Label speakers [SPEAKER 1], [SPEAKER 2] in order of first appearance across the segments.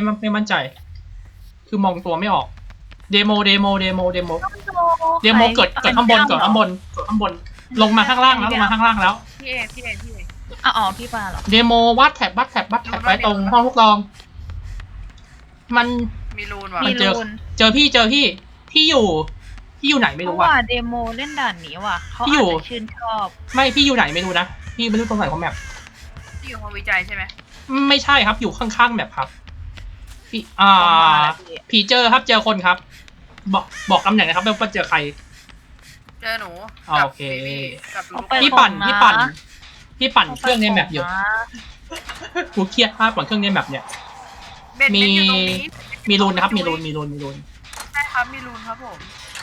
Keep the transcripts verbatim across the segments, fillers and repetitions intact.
[SPEAKER 1] ไม่มั่นใจคือมองตัวไม่ออกเดโมเดโมเดโมเดโมเดโมเกิดเกิดข้างบนเกิดข้างบนเกิดข้างบนลงมาข้างล่างแล้วลงมาข้างล่างแล้ว
[SPEAKER 2] พี่เอพี่เอพี่เอ
[SPEAKER 3] อ๋อพี่ปาเหรอ
[SPEAKER 1] เดโมวัดแท็บวัดแท็บวัดแท็บไปตรงห้องทดลองมัน
[SPEAKER 2] มีรูนว่ะ
[SPEAKER 1] มันเจอเจอพี่เจอพี่พี่อยู่พี่อยู่ไหนไม่
[SPEAKER 3] เพ
[SPEAKER 1] รู้
[SPEAKER 3] ราะ
[SPEAKER 1] ว่ะ
[SPEAKER 3] ว่าเดโมเล่นด่านนี้ว่ะเขา
[SPEAKER 1] พี่
[SPEAKER 3] อา
[SPEAKER 1] อยู่
[SPEAKER 3] จจะชื่นชอบ
[SPEAKER 1] ไม่พี่อยู่ไหนไม่รู้นะพี่ไม่รู้ตรงไหนของแมป
[SPEAKER 2] ที่อยู่ห้องวิจัยใช่ไหม
[SPEAKER 1] ไม่ใช่ครับอยู่ข้างๆแมปครับพี่อ่าผีเจอครับเจอคนครับ บอกบอกตำแหน่งนะครับว่าเจอใคร
[SPEAKER 2] เจอหนู
[SPEAKER 1] โอเค
[SPEAKER 2] กับลูก
[SPEAKER 1] พี่ปั่นพี่ปั่นพี่ปั่นเครื่องในแมปอยู่กูเครียดมากปั่นเครื่องในแมปเนี่ย
[SPEAKER 2] เบ็ด
[SPEAKER 1] มี
[SPEAKER 2] เบ็ดอยู่ตรงนี้
[SPEAKER 1] มีรูนนะครับมีรูนมีรูนมีรูน
[SPEAKER 2] ใช่ครับมีรูนครับผม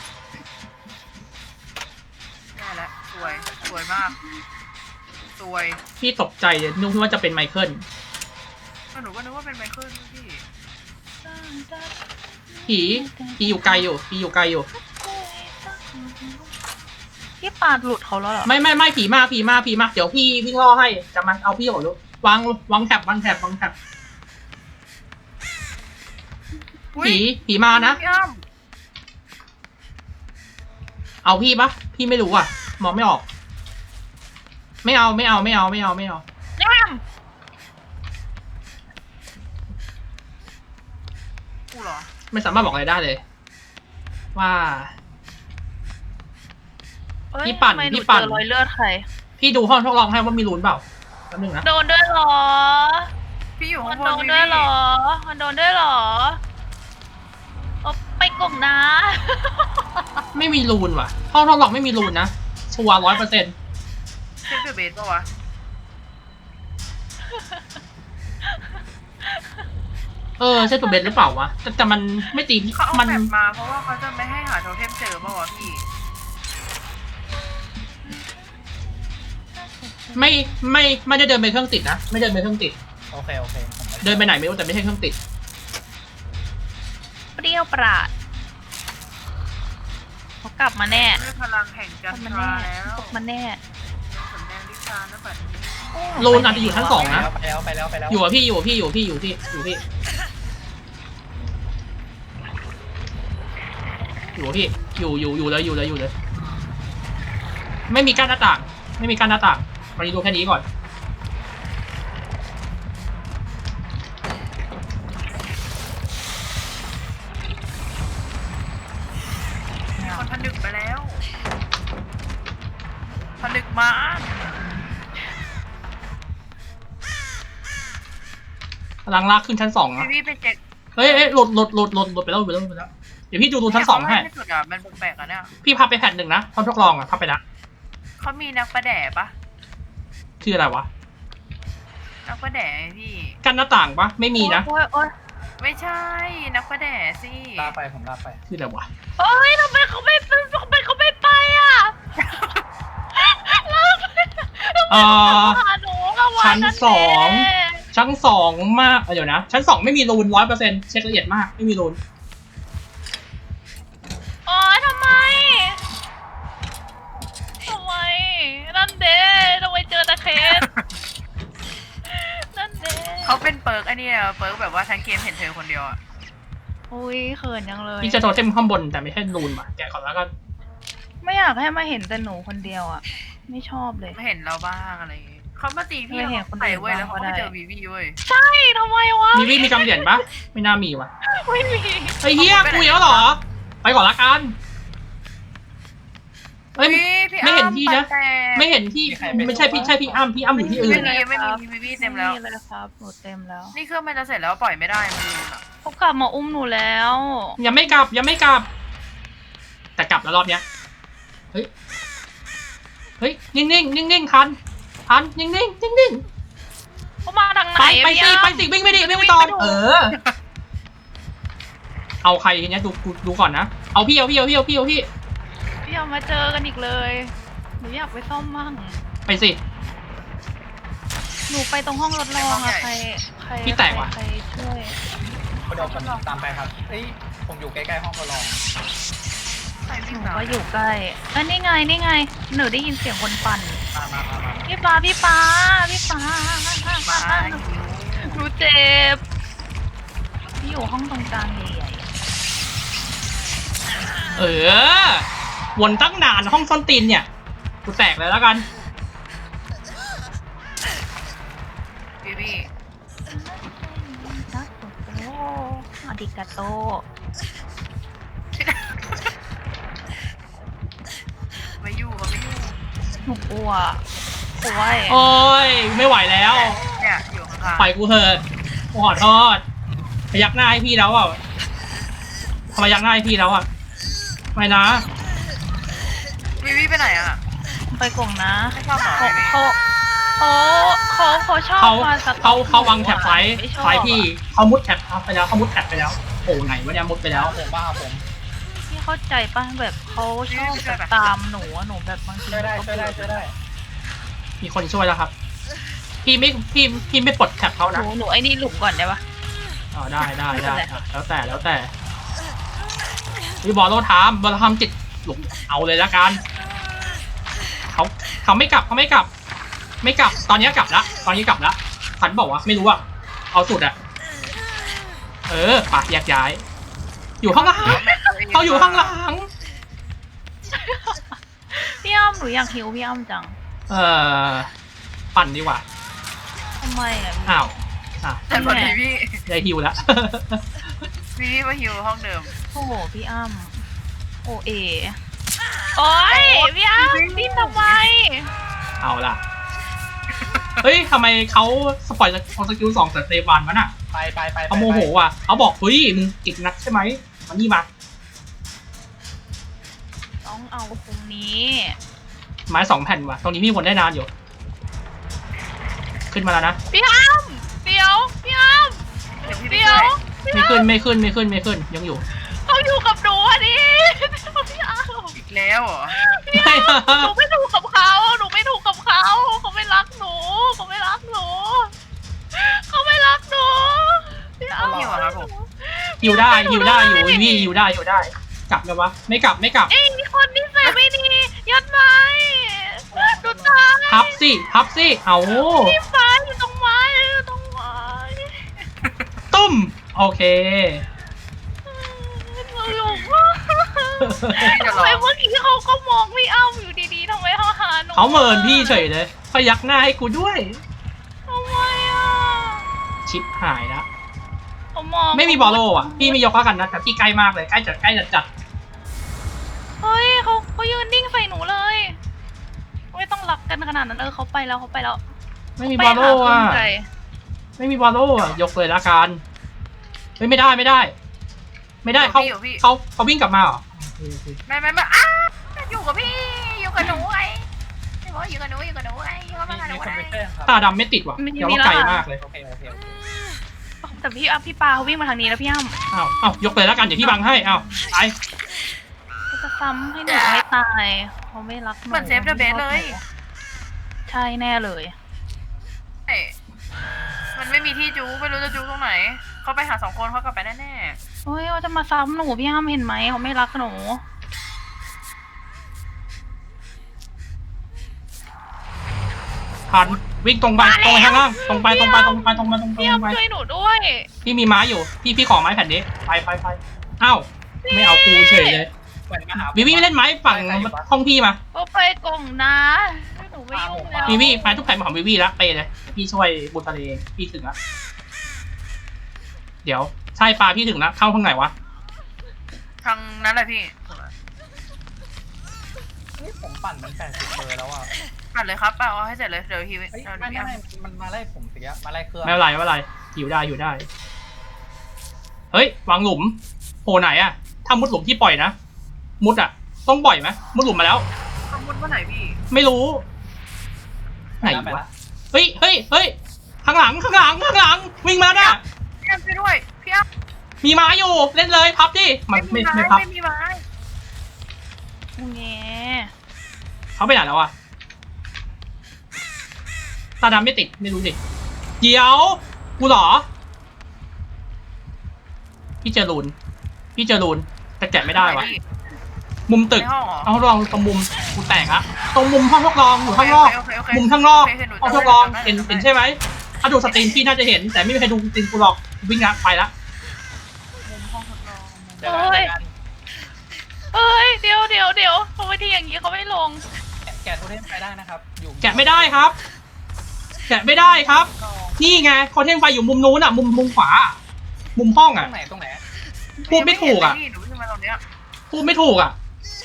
[SPEAKER 2] ได้แล้วสวยสวยมากสวย
[SPEAKER 1] พี่ตกใจเลยนึกว่าจะเป็นไมเคิล
[SPEAKER 2] หนูก็นึกว่าเป็นไมเคิลพี่
[SPEAKER 1] ผีผีอยู่ไกลอยู่ผีอยู่ไกลอยู่
[SPEAKER 3] พี่ปาหลุดเขาแล้วเหรอ
[SPEAKER 1] ไม่ไม่ไม่ผีมาผีมาผีมาเดี๋ยวพี่พี่ล่อให้จะมาเอาพี่ก่อนลูกวางวางแท็บวางแท็บวางแท็บผีผีมานะ
[SPEAKER 2] พี่อ้ำ
[SPEAKER 1] เอาพี่ปะพี่ไม่รู้อ่ะมองไม่ออก ไม่เอาไม่เอาไม่เอาไม่เอาไม่เอา
[SPEAKER 3] แง่ม
[SPEAKER 2] กูเหรอ
[SPEAKER 1] ไม่สามารถบอกอะไรได้เลย ว่า
[SPEAKER 3] เอ้ย
[SPEAKER 1] พี่ปั่น
[SPEAKER 3] ทำไมห
[SPEAKER 1] พี่ปั่น
[SPEAKER 3] เจอรอยเลือดใคร
[SPEAKER 1] พี่ดูห้องทดลองให้ว่ามีรูนเปล่าแป๊บนึงนะ
[SPEAKER 3] โดนด้วยเหรอ
[SPEAKER 2] พี่อยู่
[SPEAKER 3] มั
[SPEAKER 2] ข้าน งบ
[SPEAKER 3] โด
[SPEAKER 2] น
[SPEAKER 3] นด้วยเหรอ มันโดนด้วยเหรอเอาไปกล่องนะ
[SPEAKER 1] ไม่มีรูนว่ะ ห้องทดลองไม่มีรูนนะชัวร์ร้อยเปอร์เซ็นต์
[SPEAKER 2] เช็คเบสป่าวะ
[SPEAKER 1] เออใช่ตัวเบนหรือเปล่าวะแต่แต่มันไม่ตี
[SPEAKER 2] เขาเอา
[SPEAKER 1] มัน
[SPEAKER 2] แบบมาเพราะว่าเขาจะไม่ให้หาโทเทมเจอป่าวะพี่
[SPEAKER 1] ไม่ไม่ไม่ได้เดินไปเครื่องติดนะไม่เดินไปเครื่องติด
[SPEAKER 4] โอเคโอเคผมไม่
[SPEAKER 1] เดินไปไหนไม่รู้แต่ไม่ใช่เครื่องติด
[SPEAKER 3] เปรี้ยวปราดเขากลับมาแน่
[SPEAKER 2] ด้วยพลังแห่งจั
[SPEAKER 3] ก
[SPEAKER 2] น
[SPEAKER 3] ลับ
[SPEAKER 2] ท
[SPEAKER 3] มา
[SPEAKER 2] รา
[SPEAKER 3] แน่
[SPEAKER 2] แล้ว
[SPEAKER 3] กลับมาแน่
[SPEAKER 2] สำแดงลิชานะบัดนี้
[SPEAKER 1] รูนอาจจะอยู่ชั้นสองนะ
[SPEAKER 4] ไปแล้วไปแล้วไปแล้ว
[SPEAKER 1] อยู่กับพี่อยู่กับพี่อยู่กับพี่อยู่ที่อยู่ที่อยู่กับพี่อยู่อยู่อยู่เลยอยู่เลยอยู่เลย ไม่มีกั้นหน้าต่าง ไม่มีกั้นหน้าต่างวันนี้ดูแค่นี้ก่อน
[SPEAKER 2] มีคนผนึกไปแล้วผนึกมา
[SPEAKER 1] กำลังลากขึ้นชั้นสอง
[SPEAKER 2] พี่
[SPEAKER 1] นะ
[SPEAKER 2] พี่ไปเช็ค
[SPEAKER 1] เฮ้ยเฮ้ยหลุดหลุดหลุดหลุดหลุดไปแล้วหลุดไปแล้วหลุดไปแล้วเดี๋ยวพี่ดูดูชั้นสองให้
[SPEAKER 2] ที่สุดอ่ะมันแปลกๆอ่ะเนี่ย
[SPEAKER 1] พี่พับไปแผ่นหนึ่งนะห้องทดลองอ่ะพับไปละ
[SPEAKER 2] เขามีนักประแดะปะ
[SPEAKER 1] คืออะไรวะ
[SPEAKER 2] นักประแดะไงพี่
[SPEAKER 1] กั้นหน้าต่างปะไม่มีนะ
[SPEAKER 3] โอ้ยโอ้ย
[SPEAKER 2] ไม่ใช่นักประแดะสิ
[SPEAKER 4] ลากไปผมลากไป
[SPEAKER 1] คืออะไรวะ
[SPEAKER 3] โอ้ยทำไมเขาไม่ทำไมเขาไม่ไปอ่ะแล้วทำไม
[SPEAKER 1] เอ่อ
[SPEAKER 3] หาหนูอะวะ
[SPEAKER 1] ชั้นสอง
[SPEAKER 3] นั่นเ
[SPEAKER 1] ชั้นสองมากเดี๋ยวนะชั้นสองไม่มีรูนร้อยเปอร์เซ็นต์เช็คละเอียดมากไม่มีรูน
[SPEAKER 3] โอ้ยทำไมทำไมนั่นเด้ทำไมเจอตะเคสนั่นเด้
[SPEAKER 2] เขาเป็นเปิร์กไอ้นี่อะเปิร์กแบบว่าทั้งเกมเห็นเธอคนเดียวอ่ะ
[SPEAKER 3] อุ้ยเขินยังเลย
[SPEAKER 1] พี่จะโทรเทมข้างบนแต่ไม่ใช่รูนว่ะแกะก่อนแล้วก็
[SPEAKER 3] ไม่อยากให้มาเห็นแต่หนูคนเดียวอ่ะ ไม่ชอบเลย
[SPEAKER 2] ไม่เห็นเราบ้างอะไรอย่างงี้เขามาตีพี่
[SPEAKER 3] ไม่เห็น
[SPEAKER 2] เขา
[SPEAKER 3] คน
[SPEAKER 2] ใส่
[SPEAKER 3] อื่น
[SPEAKER 2] เว้ยแล้วเขา
[SPEAKER 3] บ้างก็
[SPEAKER 2] ไป
[SPEAKER 3] ได้
[SPEAKER 2] เจอวีวีเว้ย
[SPEAKER 3] ใช่ทำไมวะ
[SPEAKER 1] มีวิมีกำเหรียญปะไม่น่ามีว่ะ
[SPEAKER 3] ไม่มี
[SPEAKER 1] ไอ้เหี้ยกูอีกแล้วเหรอ ไปก่อนละกันเฮ้ย
[SPEAKER 2] พี่
[SPEAKER 1] ไม่เห็นพี่นะ
[SPEAKER 2] อ้ำปัดแต่
[SPEAKER 1] ไม่เห็นที่ไม่ใช่พี่ใช่พี่อ้ำพี่อ้ำอยู่ที่อื่น
[SPEAKER 2] ไม่มีไม่มีวีวีเต็มแล้ว
[SPEAKER 3] ไเลยครับหนูเต็มแล้ว
[SPEAKER 2] นี่เครื่องมันจะเสร็จแล้วปล่อยไม่ได้มันลืมอะ
[SPEAKER 3] เขากลับมาอุ้มหนูแล้ว
[SPEAKER 1] ยังไม่กลับยังไม่กลับ แต่กลับแล้วรอบเนี้ยเฮ้ยเฮ้ยนิ่งนิ่งนิ่งนิ่งทันทันนิ่งนิ่งนิ่งนิ่ง
[SPEAKER 3] เขามาทางไหน
[SPEAKER 1] ไปไป
[SPEAKER 3] พี่
[SPEAKER 1] สิ
[SPEAKER 3] อ้ำ
[SPEAKER 1] ไปสิวิ่งไม่ดีวิ่งไม่ตอนเออ เอาใครทีเนี้ยดูดูดูก่อนนะเอาพี่เอาพี่เอาพี่เอาพี่เอาพี่
[SPEAKER 3] พี่เอามาเจอกันอีกเลยหนูอยากไปซ่อมมั่ง
[SPEAKER 1] ไปสิ
[SPEAKER 3] หนูไปตรงห้องรถรองอะใครใคร
[SPEAKER 1] พี่แตกว่ะ
[SPEAKER 3] ใครช่วย
[SPEAKER 4] เดี๋ยวผมตามไปครับเอ้ยผมอยู่ใกล้ๆห้องทดลอง
[SPEAKER 2] ใส่
[SPEAKER 3] ห
[SPEAKER 2] วิ่ง
[SPEAKER 3] นู
[SPEAKER 2] เหรอ
[SPEAKER 3] ก็อยู่ใกล้อันนี่ไงนี่ไงหนูได้ยินเสียงคนปั่น
[SPEAKER 4] มามามามา
[SPEAKER 3] พี่ฟ้าพี่ฟ้าพี่ฟ้า
[SPEAKER 2] มา
[SPEAKER 3] หนูเจ็บอยู่ห้องตรงกลางใหญ่
[SPEAKER 1] เออวนตั้งนานห้องซ่อนตีนเนี่ยกูแตกเลยแล้วกัน
[SPEAKER 2] พี่พี่
[SPEAKER 3] ๆนะโอ้โหอาดิกาโต
[SPEAKER 2] ไม่อยู่เขาไม่อยู่
[SPEAKER 3] หนูกลัวกลัว
[SPEAKER 1] โอ้ยไม่ไหวแล้ว
[SPEAKER 2] เนี่ยอยู่ข้างๆ
[SPEAKER 1] ปล่อยกูเถอะกูขอโทษพยักหน้าให้พี่แล้วอ่ะทำไมยักหน้าให้พี่แล้วอ่ะไม่นะ
[SPEAKER 2] วิวิไปไหนอ่ะ
[SPEAKER 3] ไปกล่องนะ
[SPEAKER 2] ไม่ชอบเหรอ
[SPEAKER 3] เขาเขาเขาเขาเขาชอบ
[SPEAKER 1] เขา
[SPEAKER 3] มาสต็อป
[SPEAKER 1] เขาเขาวางแท็บไฟ
[SPEAKER 3] ไม่ชอบ
[SPEAKER 1] ไฟพี่เขามุดแท็บไปแล้วเขามุดแท็บไปแล้วโอ้ไหนวะเนี่ยมุดไปแล้ว
[SPEAKER 4] ผมบ้าผม
[SPEAKER 3] พี่เข้าใจป่ะแบบเขาชอบแบบตามหนูอะหนูแบบบางที
[SPEAKER 4] ช่วยได้
[SPEAKER 3] ก็
[SPEAKER 4] ช่วยได้ช่วยได้
[SPEAKER 1] มีคนช่วยแล้วครับ พี่ไม่พี่พี่ไม่ปลดแท็บเขา
[SPEAKER 3] ห
[SPEAKER 1] นะ
[SPEAKER 3] นูหนูไอ้นี่หลุมก่อนได้ปะ
[SPEAKER 1] อ๋อได้ได้
[SPEAKER 3] ไม่เป็
[SPEAKER 1] ได้
[SPEAKER 3] นไร
[SPEAKER 1] อ่ะแล้วแต่แล้วแต่วิบอลโลทามบอลทามจิตหลุมเอาเลยละกันเขาเขาไม่กลับเขาไม่กลับ ไม่กลับตอนนี้กลับละตอนนี้กลับละขันบอกว่าไม่รู้อะเอาสุดอะเออปะแยกย้าย อยู่ข้างหลังเขาอยู่ข้างหลัง
[SPEAKER 3] พี่อ้ำหนูอยากหิวพี่อ้ำจัง
[SPEAKER 1] เออปั่นดีกว่า
[SPEAKER 3] ทำไมอ่ะ
[SPEAKER 1] อ้าวอ่ะ
[SPEAKER 2] แต่พอดีพี่
[SPEAKER 1] ได้ฮิวแล้ว
[SPEAKER 2] พี่พี่มาฮิวห้องเดิม
[SPEAKER 3] โอ้โหพี่อ้ำโอเอโอ้ยพี่อ้ำพี่ทำไม
[SPEAKER 1] เอาล่ะ เฮ้ยทำไมเขาสปอยล์สกิลสองจากเซฟวันวะน่ะ
[SPEAKER 4] ไปไปไป
[SPEAKER 1] เขาโมโหว่ะเขาบอกเฮ้ยมึงเก่งนักใช่ไหมมานี่มา
[SPEAKER 3] ต้องเอาตรงนี้
[SPEAKER 1] ไม้สองแผ่นว่ะตรงนี้พี่วนได้นานอยู่ ขึ้นมาแล้วนะ
[SPEAKER 3] พี่อ้ำเดี๋ยวพี่อ้ำ
[SPEAKER 2] เดี๋ยวพี่ไป
[SPEAKER 3] เดี๋ย
[SPEAKER 2] ช่
[SPEAKER 3] ว
[SPEAKER 2] วย
[SPEAKER 3] พี่
[SPEAKER 1] ไม่
[SPEAKER 3] อ้ำ
[SPEAKER 1] ขึ้นไม่ขึ้นไม่ขึ้นไม่ขึ้นยังอยู่
[SPEAKER 3] เขาอยู่กับหนูอ่ะดิพี่อ้ำ
[SPEAKER 2] อีกแล้วเหรอ
[SPEAKER 3] พี่อ้ำหนูไม่ถูกกับเขาหนูไม่ถูกกับเขาเขาไม่รักหนูเขาไม่รักหนูเขาไม่รักหนูพี่อ้ำ
[SPEAKER 2] หิวอะครับผม
[SPEAKER 1] ฮิวได้ฮิวได้อยู่พี่ฮิวได้ฮิวได้ กลับไหมวะไม่กลับไม่กลับ
[SPEAKER 3] เอ้ยมีคนนิสัยไม่ดียัดไม้ดูตาย
[SPEAKER 1] พับสิพับสิเอา
[SPEAKER 3] พี่ฟ้าอยู่ตรงไม้อยู่ตรงไม้
[SPEAKER 1] ตุ้มโอเค
[SPEAKER 3] ตลกมากทำไมเมื่อกี้เขาก็มองพี่อ้ำอยู่ดีๆทำไมเขาหาหนู
[SPEAKER 1] เขาเมินพี่เฉยเลยพยักหน้าให้กูด้วย
[SPEAKER 3] ทำไมอ่ะ
[SPEAKER 1] ชิปหายแล้ว
[SPEAKER 3] เขามอง
[SPEAKER 1] ไม่มีบอลโลอ่ะพี่ไม่ยกแล้วกันนะแต่พี่ใกล้มากเลยใกล้จัดใกล้จัดจัด
[SPEAKER 3] เฮ้ยเขาเขายืนนิ่งใส่หนูเลยไม่ต้องรักกันขนาดนั้นเออเขาไปแล้วเขาไปแล้ว
[SPEAKER 1] ไม่มีบอลโลอ่ะ
[SPEAKER 3] ไปหาคนใจ
[SPEAKER 1] ไม่มีบอลโลอ่ะยกเลยละกันเฮ้ยไม่ได้ไม่ได้ ไม่ได้เขา
[SPEAKER 2] พี่อยู่พี่
[SPEAKER 1] เขาเขาวิ่งกลับมาเหรอ
[SPEAKER 2] ไม่ไม่ไม่อ้าอยู่กับพี่อยู่กับหนูไงพี่บอกว่าอยู่กับหนูอยู่กับหนูไงอยู่กับ
[SPEAKER 4] มี
[SPEAKER 2] มาหนู
[SPEAKER 4] มีคน
[SPEAKER 2] ไง
[SPEAKER 4] ไปเต้นครับ
[SPEAKER 1] ตาดำไม่ติดว่ะเดี๋ยวว่าไกลมากเลย
[SPEAKER 4] โอเคโอเคโอเค
[SPEAKER 3] แต่พี่อ้ำพี่ปาเขาวิ่งมาทางนี้แล้วพี่อ้ำ
[SPEAKER 1] อ้าวอ้าวยกเลยแล้วกันเดี๋ยวพี่บังให้อ้าวไป
[SPEAKER 3] เขาจะซ้ำให้หนูให้ตายเขาไม่รักหนู
[SPEAKER 2] เหมือนเซฟเดอะเบสเลย
[SPEAKER 3] ใช่แน่เลย
[SPEAKER 2] เอ้ยมันไม่มีที่จูไม่รู้จะจูตรงไหนเขาไปหาสองคนเขากลับไปแน่
[SPEAKER 3] เฮ้ยเขาจะมาซ้ำหนูพี่อ้ำเห็นไหมเขาไม่รักหนู
[SPEAKER 1] ทันวิ่งตรงไปตรงไปข้างล่างตรงไปตรงไปตรงไปตรงไปตรงไป
[SPEAKER 3] พี่
[SPEAKER 1] ตรงไป
[SPEAKER 3] อ้ำช่วยหนูด้วย
[SPEAKER 1] พี่มีไม้อยู่พี่พี่ขอไม้แผ่นนี้ไปไปไปอ้าวไม่เอากูเฉยเลย
[SPEAKER 4] เหมือนมาหา
[SPEAKER 1] วิวี่เล่นไม้ฝั่งห้องพี่มา
[SPEAKER 3] ก็ไปกล่องนะหนูไม่ยุ่งแล้ว
[SPEAKER 1] วิวี่ไปทุกแผ่นมาของวิวี่แล้วไปเลยพี่ช่วยบุญทะเลพี่ถึงแล้วเดี๋ยวใช่ปลาพี่ถึงแล้วเข้าทางไหนวะ
[SPEAKER 2] ๆทางนั้นแหละพี่
[SPEAKER 4] นี่ผมปั่นมันแปดสิบเบอร์แล้วอ่ะ
[SPEAKER 2] ปัดเลยครับปัดเอาให้เสร็จเลยเดี๋ยวฮิว
[SPEAKER 4] เฮ้ย
[SPEAKER 2] เอา
[SPEAKER 4] ไม่
[SPEAKER 2] เดี๋ยว
[SPEAKER 4] ไม่
[SPEAKER 2] พี่
[SPEAKER 4] มันมาไล่ผมสิอะมาไล่เครื่อง
[SPEAKER 1] ไม่เป็นไรไม่เป็นไรอยู่ได้อยู่ได้เฮ้ยวางหลุมโผล่ไหนอะถ้ามุดหลุมที่ปล่อยนะมุดอะต้องปล่อยไหมมุดหลุมมาแล้ว
[SPEAKER 2] สมมติว่าไหนพี่
[SPEAKER 1] ไม่รู้ไหน
[SPEAKER 4] ไป
[SPEAKER 1] วะ
[SPEAKER 4] ละ
[SPEAKER 1] เฮ้ยเฮ้ยเฮ้ยข้างหลังข้างหลังข้างหลังวิ่งมาน่ะ
[SPEAKER 2] พี่อ้ำช่วยด้วยพี่อ้ำ
[SPEAKER 1] มีไม้อยู่เล่นเลยพับดิมันไม่ไม่พับ
[SPEAKER 2] ไม่มีไม้
[SPEAKER 3] เงี้ย
[SPEAKER 1] เขาไปไหนแล้วอะตาดำไม่ติดไม่รู้ดิเดี๋ยวกูเหรอพี่เจอรูนพี่เจอรูนแต่แกะไม่ได้วะ
[SPEAKER 2] พี่
[SPEAKER 1] มุมตึก
[SPEAKER 2] ในห้องเหรอ
[SPEAKER 1] เอาทดลองตรงมุมกูแตกอะตรงมุมห้องทดลองอยู่ข้างนอก
[SPEAKER 2] โเคโเค
[SPEAKER 1] มุมข้างนอก
[SPEAKER 2] โเคเห็นหนู
[SPEAKER 1] ห้องท
[SPEAKER 2] จำ
[SPEAKER 1] ด
[SPEAKER 2] ได้
[SPEAKER 1] ลอง
[SPEAKER 2] จำได้
[SPEAKER 1] เห็น
[SPEAKER 2] จำได้
[SPEAKER 1] เห็นใช่ไหมถ้าดูสตรีมพี่น่าจะเห็น แต่ไม่มีใครดูสตรีมกูหรอกวิ่งละไปละ
[SPEAKER 4] เดี๋ยวกันเดี๋ยวกัน
[SPEAKER 3] เอ้ยเดี๋ยวเดี๋ยวเดี๋ยวทำไมที่อย่างนี้เขาไม่ลง
[SPEAKER 4] แกะแกะโทเทมไปได้นะครับ อยู่
[SPEAKER 1] แกะไม่ได้ครับ แกะไม่ได้ครับ นี่ไงคอนเทนต์ไฟอยู่มุมนู้นอ่ะ มุมมุมขวา มุมห้อง
[SPEAKER 4] ตร
[SPEAKER 1] อ่ะ
[SPEAKER 4] งไหนตรงไหน
[SPEAKER 1] พูดไม่ถูกอ่ะ
[SPEAKER 2] พี่หนูขึ้นมาตรงเนี้ย
[SPEAKER 1] พูดไม่ถูกอ่ะ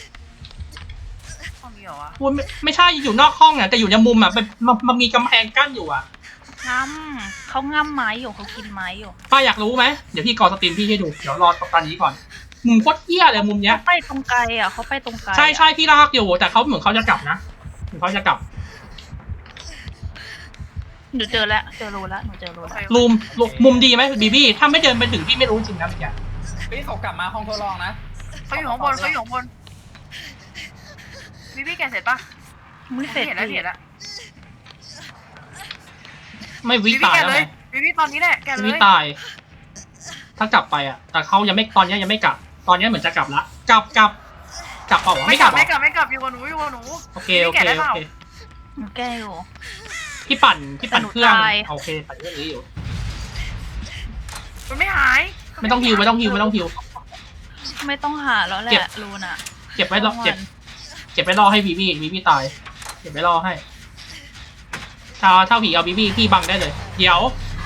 [SPEAKER 2] ห้องนี้เหรอวะ
[SPEAKER 1] พูดไม่ไม่ใช่อยู่นอกห้องอ่ะแต่อยู่ในมุมอ่ะมันมันมันมีกำแพงกั้นอยู่อ่ะ
[SPEAKER 3] ง่ำเขาง่ำไม้อยู่เขากินไม้อยู่
[SPEAKER 1] ป้าอยากรู้ไหมเดี๋ยวพี่กอสตรีมพี่ให้ดูเดี๋ยวรอตอนนี้ก่อนมุมโคตรเหี้ยเลยมุมเนี้ย
[SPEAKER 3] เขาไปตรงไกลอ่ะเขาไปตรงไกลอะ
[SPEAKER 1] ใช่ใช่พี่ลากอยู่แต่เขาเหมือนเขาจะกลับนะเหมือนเขาจะกลับ
[SPEAKER 3] หนูเจอแล้วเจอรูแล้วหนูเจอรู
[SPEAKER 2] โอ
[SPEAKER 3] แล้ว
[SPEAKER 2] เค
[SPEAKER 1] รูมรูมุมดีไหมบีบี้ถ้าไม่เดินไปถึงพี่ไม่รู้จริงนะเมื่อกี้
[SPEAKER 4] เฮ้ยเขากลับมาห้องทดลองนะ
[SPEAKER 2] เขาอยู่ข้างบนเขาอยู่ข้างบนพี่พี่แกะเสร็จปะ
[SPEAKER 3] ไม่เสร็จ
[SPEAKER 2] เห็นแล้ว
[SPEAKER 3] ดิ
[SPEAKER 2] เห็นแล้ว
[SPEAKER 1] ไม่วิ
[SPEAKER 2] พี่พี่
[SPEAKER 1] ตาย
[SPEAKER 2] แกะ
[SPEAKER 1] แล้ว
[SPEAKER 2] เล
[SPEAKER 1] ไง
[SPEAKER 2] ยพี่พี่ตอนนี้แหละแกะเล
[SPEAKER 1] วิ
[SPEAKER 2] ย
[SPEAKER 1] ตาย ถ้ากลับไปอ่ะ แต่เขายังไม่ตอนนี้ยังไม่กลับ ตอนนี้เหมือนจะกลับละกลับกลับกลับเปล่าวะ
[SPEAKER 2] ไม่
[SPEAKER 1] ไม่
[SPEAKER 2] ก
[SPEAKER 1] ก
[SPEAKER 2] ลั
[SPEAKER 1] ลั
[SPEAKER 2] บบ ไม่
[SPEAKER 1] เหร
[SPEAKER 2] กลั
[SPEAKER 1] อบ
[SPEAKER 2] ไม่กลับอยู่กับหนูอยู่กับหนู
[SPEAKER 1] โอเค
[SPEAKER 2] พี่
[SPEAKER 1] โอ
[SPEAKER 2] แกะ
[SPEAKER 1] เค
[SPEAKER 2] ได้
[SPEAKER 1] โอ
[SPEAKER 2] เปล่า
[SPEAKER 1] เค
[SPEAKER 3] หนูแก้อยู่
[SPEAKER 1] พี่ปั่นพี่ปั่นเครื่อง
[SPEAKER 3] แต่หนูตาย
[SPEAKER 1] โอเคปั่นเครื่องนี้อยู่
[SPEAKER 2] มันไม่หาย
[SPEAKER 1] ไม่ต้องฮิวไม่ต้องฮิวไม่ต้องฮิว
[SPEAKER 3] ไม่ต้องหาแล้วแห
[SPEAKER 1] เก็บ
[SPEAKER 3] ละรูน่ะ
[SPEAKER 1] เก็บไว้รอเก็บ เก็บไว้รอให้บีบี้บีบี้ตาย เก็บไว้รอให้ถ้าถ้าผีเอาบีบี้พี่บังได้เลย เดี๋ยว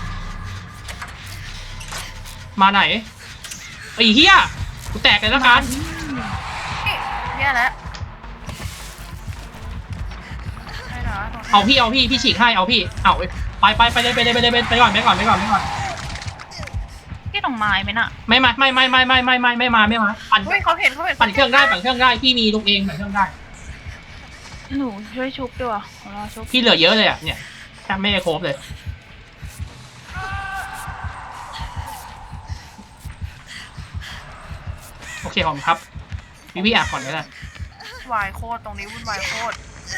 [SPEAKER 1] มาไหนไอ้เหี้ยกูแตกเลยแล้วกัน
[SPEAKER 2] แย่แล้วได้นะ
[SPEAKER 1] เอาพี่เอาพี่พี่ฉีกให้เอาพี่เอาไปไปไปเลยไปเลยไปเลยไปก่อนไปก่อนไปก่อนไปก่อน
[SPEAKER 3] พี่ต้องไม้ไหมน่ะ
[SPEAKER 1] ไม่มาไม่ไม่ไม่ไม่ไม่ไม่ไม่มาไม่มาปั่น
[SPEAKER 2] เฮ้ยเขาเห็นเขาเห็น
[SPEAKER 1] ปั่นเครื่องได้ปั่นเครื่องได้พี่มีลูกเองปั่นเครื่องได้
[SPEAKER 3] หนูช่วยชุบด้วยขอรอชุบ
[SPEAKER 1] พี่เหลือเยอะเลยอ่ะเนี่ยแทบไม่ได้ครบเลยโอเคขอบคุณครับพี่พี่แอบก่อนก็ได้
[SPEAKER 2] วายโคตรตรงนี้วุ่นวายโคตร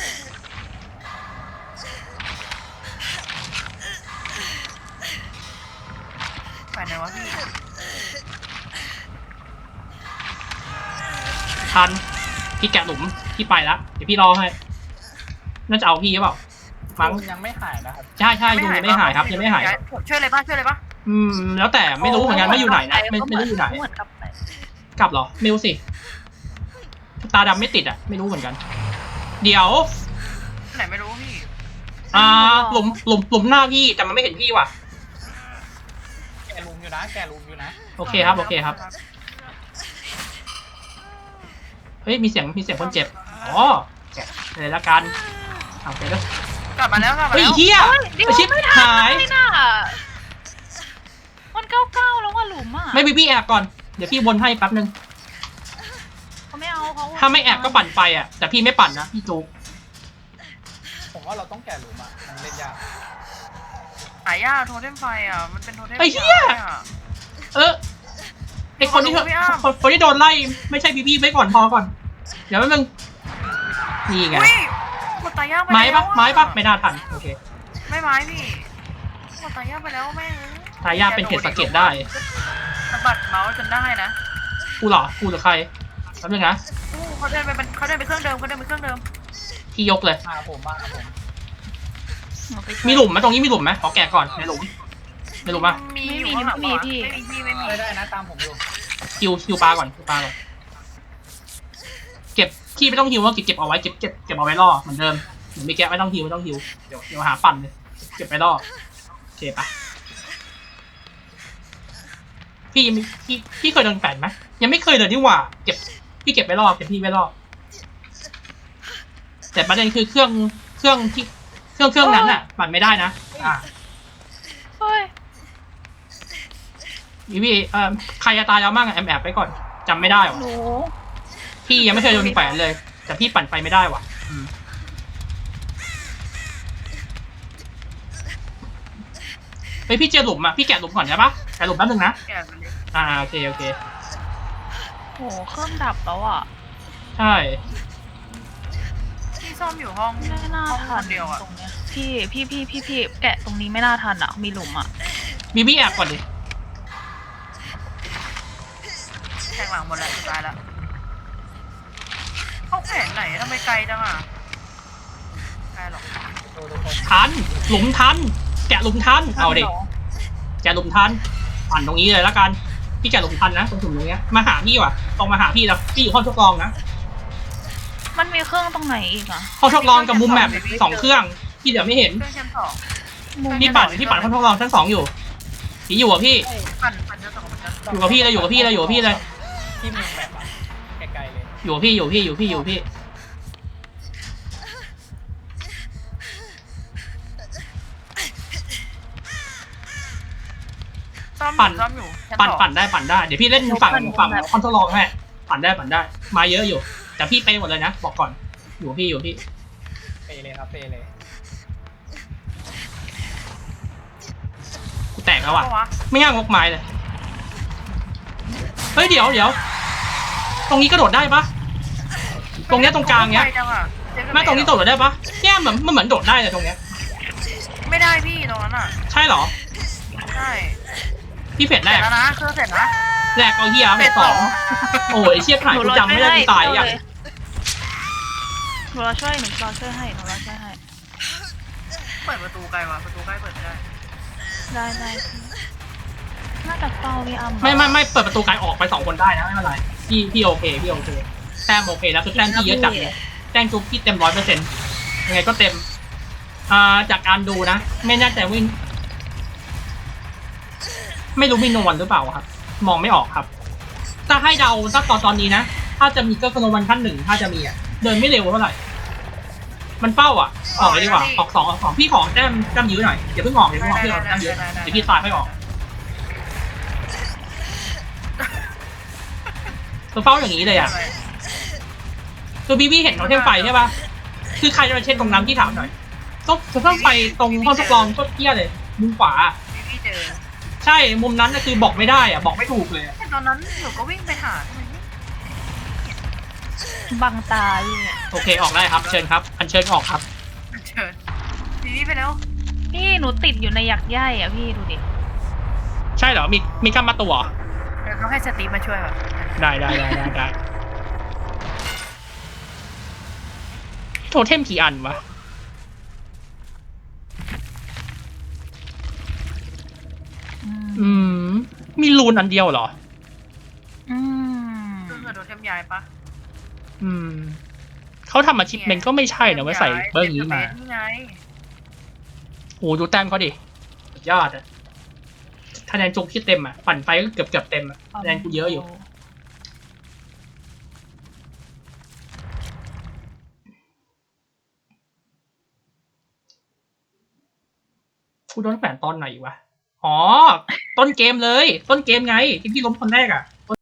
[SPEAKER 2] ไปไหนวะพี่
[SPEAKER 1] ทันพี่แกะหลุมพี่ไปละเดี๋ยวพี่รอให้น่าจะเอาพี่หรือเปล่ามั้ง
[SPEAKER 4] ยังไม่หายนะครับ
[SPEAKER 1] ใช่ใช่ดูยังไม่หายครับยังไม่หายครับ
[SPEAKER 2] ช่วยเลยป่ะช่วยเลยป่ะ
[SPEAKER 1] อืมแล้วแต่ไม่รู้เหมือนกันว่าอยู่ไหนนะไม่ไม่รู้อยู่ไหน
[SPEAKER 3] เหมือนกับไป
[SPEAKER 1] กลับเหรอไม่รู้สิตาดำไม่ติดอ่ะไม่รู้เหมือนกัน เดี๋ยว
[SPEAKER 2] ไหนไม่รู้พี่
[SPEAKER 1] อ่าหลุมหลุมหลุมหน้าพี่แต่มันไม่เห็นพี่ว่ะ
[SPEAKER 4] แกะรูมอยู่นะ แกะรูมอยู่นะ
[SPEAKER 1] โอเคครับโอเคครับเฮ้ยมีเสียงมีเสียงคนเจ็บอ๋อแกะเลยละกันเอาไปแล้ว
[SPEAKER 2] กลับมาแล้วกลับมา
[SPEAKER 1] เฮ้ย
[SPEAKER 2] แล้ว
[SPEAKER 1] เฮีย
[SPEAKER 3] เดี๋ยว
[SPEAKER 1] ไอชิป
[SPEAKER 3] ไม่ทัน
[SPEAKER 1] หาย
[SPEAKER 3] ไม่น่ามันเก้าเก้าแล้วว่าหลุมอ่ะ
[SPEAKER 1] ไม่บีบี้แอบก่อนเดี๋ยวพี่วนให้แป๊บนึง
[SPEAKER 3] เขาไม่เอาเขา
[SPEAKER 1] ถ้าไม่แอบก็ปั่นไปอ่ะแต่พี่ไม่ปั่นนะพี่จู
[SPEAKER 4] ผมว่าเราต้องแกะรูมอ่ะ มันเล่นยาก
[SPEAKER 2] หายากโทเทมไฟอ่ะมันเป็นโทเทม
[SPEAKER 1] ไอ้เหี้ย เออไอคนที่
[SPEAKER 2] พี่อ้าม
[SPEAKER 1] คนคนที่โดนไล่ไม่ใช่บีบี้ไว้ก่อนพอก่อนเดี๋ยวแป๊บนึงนี่ไง
[SPEAKER 2] อุ้ยกดตายยากไป
[SPEAKER 1] ไม้
[SPEAKER 2] แล้ว
[SPEAKER 1] ปะไม้ปะไม่น่าทันโอเค
[SPEAKER 2] ไม่ไม้พี่กดตายยากไปแล้วแม่ง
[SPEAKER 1] ทายาทเป็นเห็ดสะเก็ดได้
[SPEAKER 2] สะบัดเมาส์จนได้นะ
[SPEAKER 1] กูเหรอกูหรือใครแป๊บนึงนะ
[SPEAKER 2] อู้เขาเดินไปเป็นเขาเดินไปเครื่องเดิมเขาเดินไปเครื่องเดิม
[SPEAKER 1] พี่ยกเลย
[SPEAKER 4] มาผมมาผม
[SPEAKER 3] หนูไปช่วย
[SPEAKER 1] มีหลุมไหมตรงนี้มีหลุมไหมขอแกะก่อนในหลุมในหลุมปะ
[SPEAKER 2] มี
[SPEAKER 3] ไม่
[SPEAKER 2] อยู่
[SPEAKER 3] มี
[SPEAKER 2] ข้างหลัง
[SPEAKER 3] ไม่มี
[SPEAKER 2] วะ
[SPEAKER 3] พี่
[SPEAKER 2] ไม่มีพี่ไม่มี
[SPEAKER 4] ได้ได้นะ ตามผมอยู่
[SPEAKER 1] คิวคิวปลาก่อนคิวปลาก่อนเก็บขี้ไม่ต้องฮิวว่าเก็บเก็บเอาไว้เก็บเก็บเก็บเอาไว้ล่อเหมือนเดิมหรือไม่แกะไม่ต้องฮิวไม่ต้องฮิวเดี๋ยวเดี๋ยวหาปั่นเลยเก็บไปล่อโอเคปะพี่มีพี่พี่เคยโดนแฝนไหมยังไม่เคยเลยนี่หว่าเก็บพี่เก็บไว้ล่อเก็บพี่ไว้ล่อแต่ประเด็นคือเครื่องเครื่องที่เครื่องเครื่องนั้นอ่ะปั่นไม่ได้นะอ่า
[SPEAKER 3] เฮ้ย
[SPEAKER 1] พี่พี่เอ่อใครจะตายแล้วมั่งอะแอมแอบไปก่อนจำไม่ได้หรอ
[SPEAKER 3] หนู
[SPEAKER 1] พี่ยังไม่เคยโดนแฝนเลย แต่พี่ปั่นไฟไม่ได้ว่ะอืมเฮ้ยพี่เจอหลุมอ่ะพี่แกะหลุมก่อนใช่ปะแกะหลุมแป๊บนึงนะ
[SPEAKER 2] แกะไปเลย
[SPEAKER 1] อ่าโอเคโอเค
[SPEAKER 3] โหเครื่องดับแล้วอ่ะ
[SPEAKER 1] ใช่
[SPEAKER 2] พี่ซ่อมอยู่ห้อง
[SPEAKER 3] ไม่น่า
[SPEAKER 2] ห้องค
[SPEAKER 3] ทัน
[SPEAKER 2] นเดียวอ่ะ
[SPEAKER 3] ตรงเนี้ยพี่พี่พี่พี่พี่แกะตรงนี้ไม่น่าทันอ่ะมีหลุมอ่ะ
[SPEAKER 1] บีบี้แอบก่อนดิ
[SPEAKER 2] แทงหลังหมดแล้วสุดท้ายแล้วเขาแผนไหนทำไมไกลจังอ่ะไกลหรอก
[SPEAKER 4] ดูทุกคน
[SPEAKER 1] ทันหลุมทัน แกะหลุมทันเอาดิแกะหลุมทันปั่นตรงนี้เลยแล้วกันพี่แกะหลงพันนะตรงถุงตรงเนี้ยมาหาพี่ว่ะตรงมาหาพี่แล้วพี่อยู่ห้องทดลองนะ
[SPEAKER 3] มันมีเครื่องตรงไหนอีกอ่ะ
[SPEAKER 1] ห้องทดลองกับมุมแมปสองเครื่องพี่เดี๋ยวไม่เห็น
[SPEAKER 2] เครื่องชั้นสอง
[SPEAKER 3] มุม
[SPEAKER 1] พี่ปั่นพี่ปั่นห้องทดลองชั้นสองอยู่พี่อยู่กับพี่
[SPEAKER 2] ปั่นปั่นชั้นสองปั่นชั้นสอง
[SPEAKER 1] อยู่กับพี่เลยอยู่กับพี่เลยอยู่กับพี่เลย
[SPEAKER 4] ที่มุมแมปอะไกลๆเลย
[SPEAKER 1] อยู่กับพี่อยู่กับพี่อยู่กับพี่อยู่กับพี่
[SPEAKER 2] ซ่อม
[SPEAKER 1] ปั่น
[SPEAKER 2] ซ่อมอยู่ชั้
[SPEAKER 1] ปั่น
[SPEAKER 2] สอง
[SPEAKER 1] ปั่นได้ปั่นได้เดี๋ยวพี่เล่นฝั่งฝั่งคอนโทรลให้ปั่นได้ปั่นได้มาเยอะอยู่ แต่พี่ไปหมดเลยนะบอกก่อนอยู่กับพี่อยู่กับพี่
[SPEAKER 4] เปเลยครับเปเลย
[SPEAKER 1] กูแตกแล้วอ่ะ
[SPEAKER 2] เพราะว่า
[SPEAKER 1] ไม่ง่างกไม้เลยเฮ้ยเดี๋ยวเดี๋ยวตรงนี้กระโดดได้ปะตรงเนี้ยตรงกลางเนี้ย
[SPEAKER 2] ไวจังอะเจ๊
[SPEAKER 1] ไม่ตรงนี้กระโดดได้ปะเนี่ยเหมือนมันเหมือนโดดได้เลยตรงเนี้ย
[SPEAKER 2] ไม่ได้พี่ตรงนั้นอ่ะ
[SPEAKER 1] ใช่เหรอ
[SPEAKER 2] ใช่
[SPEAKER 1] พี่เฟด
[SPEAKER 2] เส
[SPEAKER 1] แร
[SPEAKER 2] ร็จ
[SPEAKER 1] ก
[SPEAKER 2] แล้วนะเครื่องเสร็จนะ
[SPEAKER 1] แรกเอาเฮียเฟดสองโอ้ยเชี่ยถ่าย
[SPEAKER 3] หนู
[SPEAKER 1] กู
[SPEAKER 3] รอ
[SPEAKER 1] จำไม่ได้กูตายอย่าง
[SPEAKER 3] หนูรอช่วยหนูรอช่วยให้หนูรอช่วยให้
[SPEAKER 2] เปิดประตูไกลวะประตูใกล้เปิดไม่ได้
[SPEAKER 3] ได้ได้น่าจะเฝ้าพี่อ้ำ
[SPEAKER 1] ไม่ไม่ไม่เปิดประตูไกลออกไปสองคนได้นะไม่เป็นไรพี่พี่โอเคพี่โอเคแต้มโอเคแล้วคือแต้มพี่เยอะจัดเลยแต้มจุ๊บพี่เต็มร้อยเปอร์เซ็นต์ยังไงก็เต็มอ่าจากการดูนะไม่แน่ใจว่าไม่รู้มีโนวันหรือเปล่าครับ มองไม่ออกครับถ้าให้เดาถ้าตอนตอนนี้นะถ้าจะมีก็โนวันขั้นหนึ่งถ้าจะมีอ่ะเดินไม่เร็วเท่าไหร่มันเป้าอ่ะออกเลยดีกว่าออกสองออกสองพี่ขอแต้มแต้มยื้อหน่อยอย่าเพิ่งออกอย่าเพิ่งออกพี่ขอแต้มยื้อเดี๋ยวพี่ตายไม่ออกตัวเฝ้าอย่างนี้เลยอ่ะคือบีบี้เห็นเขาเทมไฟใช่ป่ะคือใครจะมาเช็ดตรงนั้นพี่ถามหน่อยต้องจะต้องไปตรงห้องทดลองก็เที่ยเลยมุมขวา
[SPEAKER 2] พี่พี่เจอ
[SPEAKER 1] ใช่มุมนั้นน่ะคือบอกไม่ได้อ่ะบอกไม่ถูกเลย
[SPEAKER 2] แต่ตอนนั้นหนูก็วิ่งไปหาทำไมไม่
[SPEAKER 3] บังตาพี่
[SPEAKER 1] โอเคออกได้ครับเชิญครับอันเชิญออกครับ
[SPEAKER 2] เชิญพี่พี่ไปแล้ว
[SPEAKER 3] พี่หนูติดอยู่ในหยักใยอ่ะพี่ดูดิ
[SPEAKER 1] ใช่เหรอมีมีกล้ามมาตัวเหรอ
[SPEAKER 2] เดี๋ยวต้องให้สตีฟมาช่วยก่อน
[SPEAKER 1] ได้ได้ได้ได้ได้โทเทมกี่อันวะอืมมีรูนอันเดียวเหรอ
[SPEAKER 3] อืม
[SPEAKER 2] เครื่องเกิดโดนเทมยายปะ
[SPEAKER 1] อืมเขาทำอาชีพเมนก็ไม่ใช่นะไว้ใส่เบอร์นี้มา
[SPEAKER 2] นี่ไง
[SPEAKER 1] โอ้ดูแต้มเขาดิสุดยอดอะคะแนนจุกที่เต็มอะปั่นไฟก็เกือบเกือบเต็มอะคะแนนกูเยอะอยู่กูโดนแขวนตอนไหนวะอ๋อต้นเกมเลย ต้นเกมไงที่พี่ล้มคนแรกอะ